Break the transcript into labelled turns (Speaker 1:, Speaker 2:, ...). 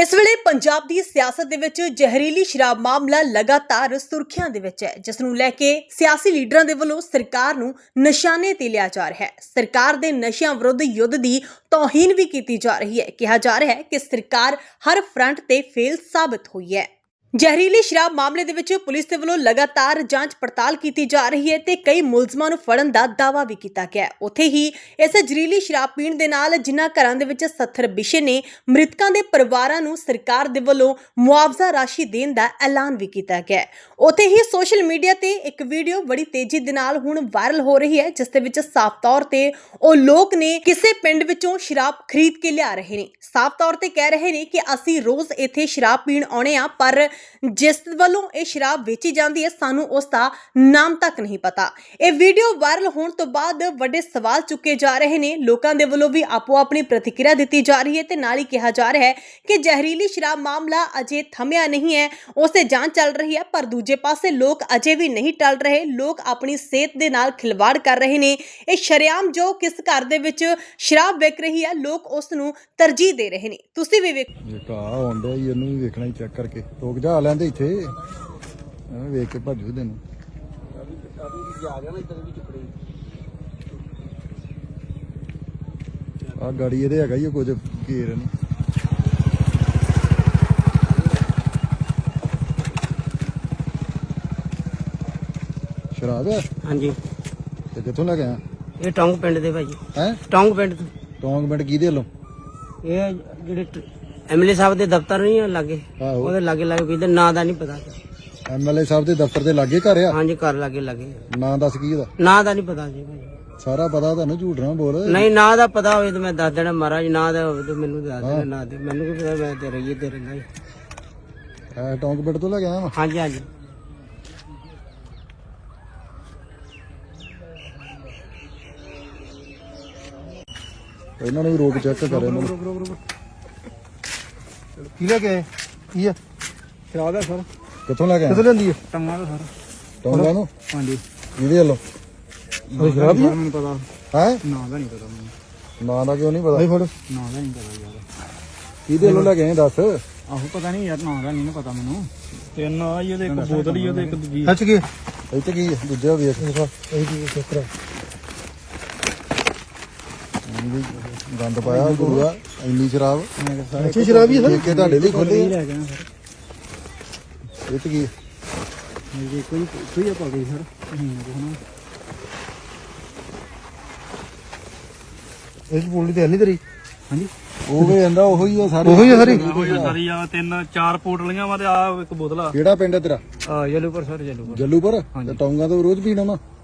Speaker 1: इस वेले पंजाब दी सियासत दे विच जहरीली शराब मामला लगातार सुर्खियां दे विच है, जिस नूं लैके सियासी लीडरां दे वल्लों सरकार नूं निशाने ते लिया जा रहा है। सरकार दे नशियां विरुद्ध युद्ध दी तौहीन भी की जा रही है। कहा जा रहा है कि सरकार हर फ्रंट ते फेल साबित हुई है। जहरीली शराब मामले दे विच पुलिस दे वल्लों लगातार जांच पड़ताल की जा रही है ते कई मुलजमां नूं फड़न दा दावा भी कीता गया है। उत्थे ही इस जहरीली शराब पीण दे नाल जिन्हां घरां दे विच 70 विशे ने मृतकां दे परिवारां नूं सरकार दे वल्लों मुआवजा राशि देण दा ऐलान भी कीता गया है। उत्थे ही सोशल मीडिया ते एक वीडियो बड़ी तेजी दे नाल हुण वायरल हो रही है, जिस दे विच साफ तौर ते ओ लोक ने किसे पिंड विचों शराब खरीद के लिया रहे ने। साफ तौर ते कह रहे ने कि असीं रोज इत्थे शराब पीण आउणे आ, पर जिस ਵੱਲੋਂ ਇਹ ਸ਼ਰਾਬ ਵੇਚੀ ਜਾਂਦੀ ਹੈ ਸਾਨੂੰ ਉਸ ਦਾ ਨਾਮ ਤੱਕ ਨਹੀਂ ਪਤਾ। ਇਹ ਵੀਡੀਓ ਵਾਇਰਲ ਹੋਣ ਤੋਂ ਬਾਅਦ ਵੱਡੇ ਸਵਾਲ ਚੁੱਕੇ ਜਾ ਰਹੇ ਨੇ। ਲੋਕਾਂ ਦੇ ਵੱਲੋਂ ਵੀ ਆਪੋ ਆਪਣੀ ਪ੍ਰਤੀਕਿਰਿਆ ਦਿੱਤੀ ਜਾ ਰਹੀ ਹੈ ਤੇ ਨਾਲ ਹੀ ਕਿਹਾ ਜਾ ਰਿਹਾ ਹੈ ਕਿ ਜ਼ਹਿਰੀਲੀ ਸ਼ਰਾਬ ਮਾਮਲਾ ਅਜੇ ਥਮਿਆ ਨਹੀਂ ਹੈ, ਉਸ ਤੇ ਜਾਂਚ ਚੱਲ ਰਹੀ ਹੈ। ਪਰ ਦੂਜੇ ਪਾਸੇ ਲੋਕ ਅਜੇ ਵੀ ਨਹੀਂ ਟਲ ਰਹੇ। ਲੋਕ ਆਪਣੀ ਸਿਹਤ ਦੇ ਨਾਲ ਖਿਲਵਾੜ ਕਰ ਰਹੇ ਨੇ। ਇਹ ਸ਼ਰੇਆਮ ਜੋ ਕਿਸ ਘਰ ਦੇ ਵਿੱਚ ਸ਼ਰਾਬ ਵਿਕ ਰਹੀ ਹੈ, ਲੋਕ ਉਸ ਨੂੰ ਤਰਜੀਹ ਦੇ ਰਹੇ ਨੇ। ਤੁਸੀਂ ਵੀ
Speaker 2: ਵੇਖੋ ਆਉਂਦਾ ਹੀ ਇਹਨੂੰ ਵੀ ਵੇਖਣਾ ਹੀ ਚੈੱਕ ਕਰਕੇ ਲੋਕ ਜਾ ਲੈਂਦੇ ਇੱਥੇ ਐਵੇਂ ਵੇਖ ਕੇ ਭੱਜੂ ਤੈਨੂੰ ਆ ਗਾੜੀ ਇਹਦੇ ਹੈਗਾ ਹੀ ਕੁਝ ਘੇਰ ਨਹੀਂ ਸ਼ਰਾਬ ਹੈ।
Speaker 3: ਹਾਂਜੀ
Speaker 2: ਤੇ ਕਿੱਥੋਂ ਲੈ ਕੇ ਆਇਆ?
Speaker 3: ਇਹ ਟੌਂਗ ਪਿੰਡ ਦੇ ਭਾਜੀ।
Speaker 2: ਹੈ
Speaker 3: ਟੌਂਗ ਪਿੰਡ ਤੋਂ।
Speaker 2: ਟੌਂਗ ਪਿੰਡ ਕਿਹਦੇ ਵੱਲੋਂ?
Speaker 3: ਇਹ ਜਿਹੜੇ ਐਮਐਲਏ ਸਾਹਿਬ ਦੇ ਦਫ਼ਤਰ ਨਹੀਂ ਆ ਲਾਗੇ,
Speaker 2: ਆਹੋ
Speaker 3: ਉਹਦੇ ਲਾਗੇ ਲਾਗੇ ਕਿਹਦੇ ਨਾਂ ਦਾ ਨਹੀਂ ਪਤਾ।
Speaker 2: ਐਮਐਲਏ ਸਾਹਿਬ ਦੇ ਦਫ਼ਤਰ ਦੇ ਲਾਗੇ ਘਰ ਆ?
Speaker 3: ਹਾਂਜੀ ਘਰ ਲਾਗੇ ਲਾਗੇ।
Speaker 2: ਨਾਂ ਦੱਸ ਕੀ ਇਹਦਾ?
Speaker 3: ਨਾਂ ਦਾ ਨਹੀਂ ਪਤਾ ਜੀ ਭਾਜੀ।
Speaker 2: ਸਾਰਾ ਪਤਾ ਤੁਹਾਨੂੰ, ਝੂਠ ਨਾ ਬੋਲ।
Speaker 3: ਨਹੀਂ ਨਾਂ ਦਾ ਪਤਾ ਹੋਵੇ ਤਾਂ ਮੈਂ ਦੱਸ ਦੇਣਾ ਮਹਾਰਾਜ, ਨਾਂ ਦਾ ਹੋਵੇ ਤਾਂ ਮੈਨੂੰ ਦੱਸ ਦੇਣਾ। ਨਾਂ ਦੇ ਮੈਨੂੰ ਕੀ ਪਤਾ, ਮੈਂ ਤੇ ਰਹੀਏ ਤੇ ਰਹਿੰਦਾ ਜੀ।
Speaker 2: ਟੌਂਗ ਪਿੰਡ ਤੋਂ ਲੈ ਕੇ ਆਇਆ ਵਾ?
Speaker 3: ਹਾਂਜੀ ਹਾਂਜੀ।
Speaker 2: ਇਹਨਾਂ ਨੂੰ ਵੀ ਰੋਕ ਚੈੱਕ ਕਰ ਇਹਨਾਂ ਨੂੰ। ਕੀ ਲੈ ਕੇ ਆਏ? ਕੀ ਆ?
Speaker 4: ਸ਼ਰਾਬ ਹੈ ਸਰ।
Speaker 2: ਕਿੱਥੋਂ ਲੈ ਕੇ ਆਏ?
Speaker 4: ਕਿੱਥੋਂ ਲੈਂਦੀ ਹੈ? ਟੰਗਾ ਦਾ ਸਰ।
Speaker 2: ਟੌਂਗਾ ਨੂੰ?
Speaker 4: ਹਾਂਜੀ।
Speaker 2: ਇਹਦੇ ਵੱਲੋਂ
Speaker 4: ਸ਼ਰਾਬ ਹੀ ਮੈਨੂੰ ਪਤਾ
Speaker 2: ਹੈ?
Speaker 4: ਨਾਂ ਦਾ ਨਹੀਂ ਪਤਾ ਮੈਨੂੰ।
Speaker 2: ਨਾਂ ਦਾ ਕਿਉਂ ਨਹੀਂ ਪਤਾ?
Speaker 4: ਨਾਂ ਦਾ ਨਹੀਂ ਪਤਾ ਯਾਰ।
Speaker 2: ਕਿਹਦੇ ਵੱਲੋਂ ਲੈ ਕੇ ਆਏ ਦੱਸ?
Speaker 4: ਆਹੋ ਪਤਾ ਨਹੀਂ ਯਾਰ, ਨਾਂ ਦਾ ਨਹੀਂ ਪਤਾ ਮੈਨੂੰ। ਤਿੰਨ ਆ ਜੀ, ਉਹਦੇ ਇੱਕ ਬੋਤਲ ਹੀ, ਉਹਦੇ ਇੱਕ ਦੂਜੀ। ਸੱਚ ਕੀ
Speaker 2: ਇੱਥੇ ਕੀ ਹੈ? ਦੂਜਾ ਵੇਖ
Speaker 4: ਇਹ ਕੀ ਚੱਕਰ?
Speaker 2: ਗੰਦ ਪਾਇਆ ਗੁਰੂਆ, ਇੰਨੀ ਸ਼ਰਾਬ।
Speaker 4: ਅੱਛੀ ਸ਼ਰਾਬ ਹੀ ਹੈ ਸਰ।
Speaker 2: ਠੇਕੇ ਤੁਹਾਡੇ ਲਈ ਖੋਲੇ
Speaker 4: ਲੈ ਗਿਆ ਸਰ।
Speaker 2: ਇਹ ਤੇ ਕੀ ਹੈ?
Speaker 4: ਮੇਰੇ ਕੋਈ ਆ ਪਾ ਗਈ ਸਰ। ਇਸ ਬੋਲੀ ਤੇ ਨਹੀਂ ਤੇਰੀ? ਹਾਂਜੀ
Speaker 2: ਉਹ ਵੀ ਕਹਿੰਦਾ ਉਹੀ ਆ ਸਾਰੇ।
Speaker 4: ਉਹੀ ਆ ਸਾਰੀ?
Speaker 5: ਸਾਰੀ ਆ ਤਿੰਨ ਚਾਰ ਪੋਟਲੀਆਂ ਵਾ ਤੇ ਆ ਇੱਕ ਬੋਤਲ ਆ।
Speaker 2: ਕਿਹੜਾ ਪਿੰਡ ਹੈ ਤੇਰਾ?
Speaker 4: ਜਲੂਪੁਰ ਸਰ। ਜਲੂਪੁਰ।
Speaker 2: ਜੱਲੂਪੁਰ? ਤੇ ਟੌਂਗਾ ਤੋਂ ਰੋਜ਼ ਪੀਣਾ ਵਾ?